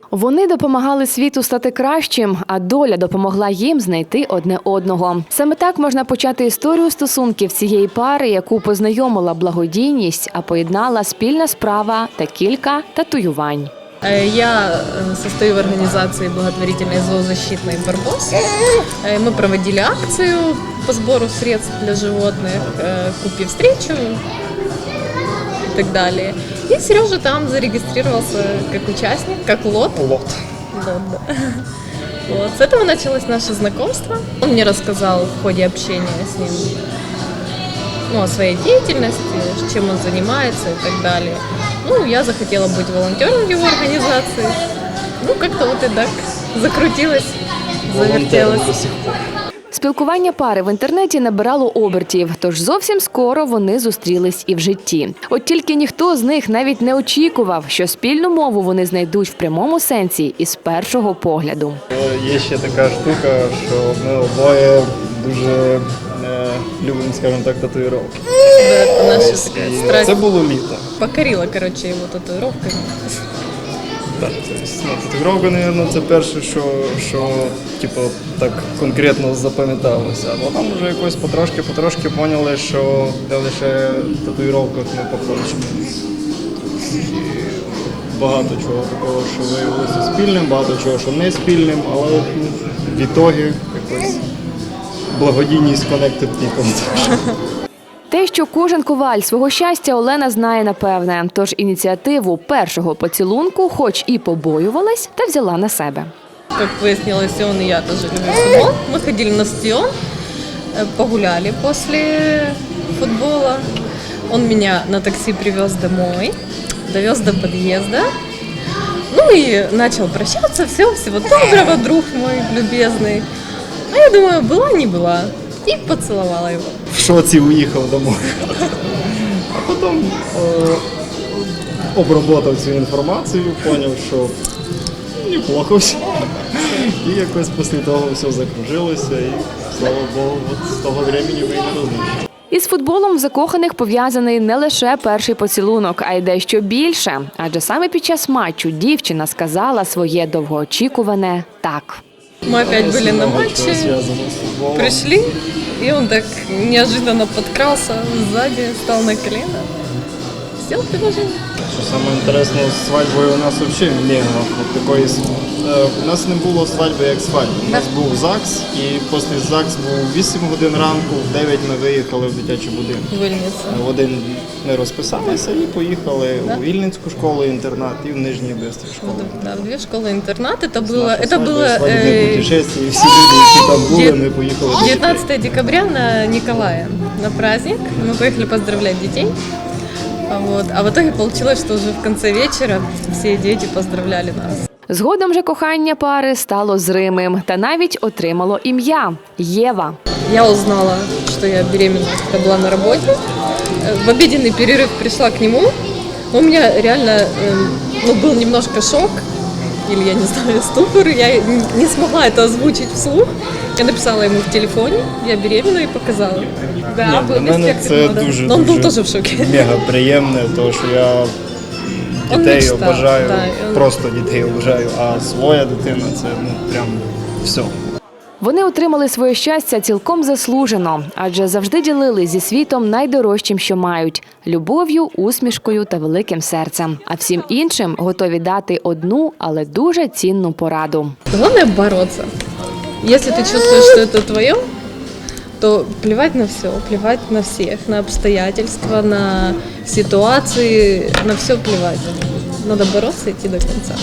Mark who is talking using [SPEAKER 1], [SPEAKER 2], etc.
[SPEAKER 1] Вони допомагали світу стати кращим, а доля допомогла їм знайти одне одного. Саме так можна почати історію стосунків цієї пари, яку познайомила благодійність, а поєднала спільна справа та кілька татуювань.
[SPEAKER 2] Я состою в организации благотворительной зоозащитной «Барбос». Мы проводили акцию по сбору средств для животных, «Купи встречу» и так далее. И Сережа там зарегистрировался как участник, как лот. Да. Вот. С этого началось наше знакомство. Он мне рассказал в ходе общения с ним о своей деятельности, чем он занимается и так далее. Я захотела быть волонтером в его организации. Как-то вот и так закрутилось, завертелось.
[SPEAKER 1] Спілкування пари в інтернеті набирало обертів, тож зовсім скоро вони зустрілись і в житті. От тільки ніхто з них навіть не очікував, що спільну мову вони знайдуть в прямому сенсі і з першого погляду.
[SPEAKER 3] Є ще така штука, що ми обоє дуже любимо, скажімо так, татуїровки.
[SPEAKER 2] Це наша страсть.
[SPEAKER 3] Це було літо.
[SPEAKER 2] Покорила, його татуїровками.
[SPEAKER 3] Так, татуїровка, мабуть, це перше, що так конкретно запам'яталося. А потім вже якось потрошки поняли, що де лише в татуїровках не похожі. Багато чого такого, що виявилося спільним, багато чого, що не спільним, але в ітогі якось благодійність connected people.
[SPEAKER 1] Те, що кожен коваль свого щастя, Олена знає напевне. Тож ініціативу першого поцілунку хоч і побоювалась, та взяла на себе.
[SPEAKER 2] Как выяснилось, он и я тоже любим футбол. Мы ходили на стадион, погуляли после футбола. Он меня на такси привез домой, довез до подъезда. И начал прощаться. Всего доброго, друг мой любезный. А я думаю, была, не была. И поцеловала его.
[SPEAKER 3] В шоці уїхав домой. А потім обработав цю інформацію, зрозумів, що неплохо все. І якось після того все закружилося і, слава Богу, з того времени ви не розлучили.
[SPEAKER 1] Із футболом в закоханих пов'язаний не лише перший поцілунок, а й дещо більше. Адже саме під час матчу дівчина сказала своє довгоочікуване «так».
[SPEAKER 2] Мы опять были на матче, пришли, и он так неожиданно подкрался сзади, стал на колено, сделал предложение.
[SPEAKER 3] Що саме інтересно, з свадьбою у нас взагалі не було. У нас не було свадьби як свадьби. У нас був ЗАГС, і після ЗАГС був 8 годин ранку, в 9 ми виїхали в дитячий будинок. В один ми розписалися і поїхали у Вільницьку школу-інтернат і в Нижній Бистрій школу.
[SPEAKER 2] Да, в две школы-интернат. Это было
[SPEAKER 3] свадебне путешествие, всі люди, які там були, ми поїхали.
[SPEAKER 2] 19 декабря на Николая, на праздник. Мы поехали поздравлять детей. А в итоге получилось, что уже в конце вечера все дети поздравляли нас.
[SPEAKER 1] Згодом же кохання пари стало зримим та навіть отримало ім'я – Єва.
[SPEAKER 2] Я узнала, что я беременна, когда была на работе. В обеденный перерыв пришла к нему. У меня реально был немножко шок, или я не знаю, ступор. Я не смогла это озвучить вслух. Я написала ему в телефоне, я беременна, и показала.
[SPEAKER 3] Да, для мене це дуже,
[SPEAKER 2] он был тоже в шоке.
[SPEAKER 3] Мега приємне, тому що я дітей обожаю, просто дітей обожаю, а своя дитина – це прям все.
[SPEAKER 1] Вони отримали своє щастя цілком заслужено, адже завжди ділили зі світом найдорожчим, що мають – любов'ю, усмішкою та великим серцем. А всім іншим готові дати одну, але дуже цінну пораду.
[SPEAKER 2] Главное – бороться. Если ты чувствуешь, что это твое, то плевать на все, плевать на всех, на обстоятельства, на ситуации, на все плевать. Надо бороться и идти до конца.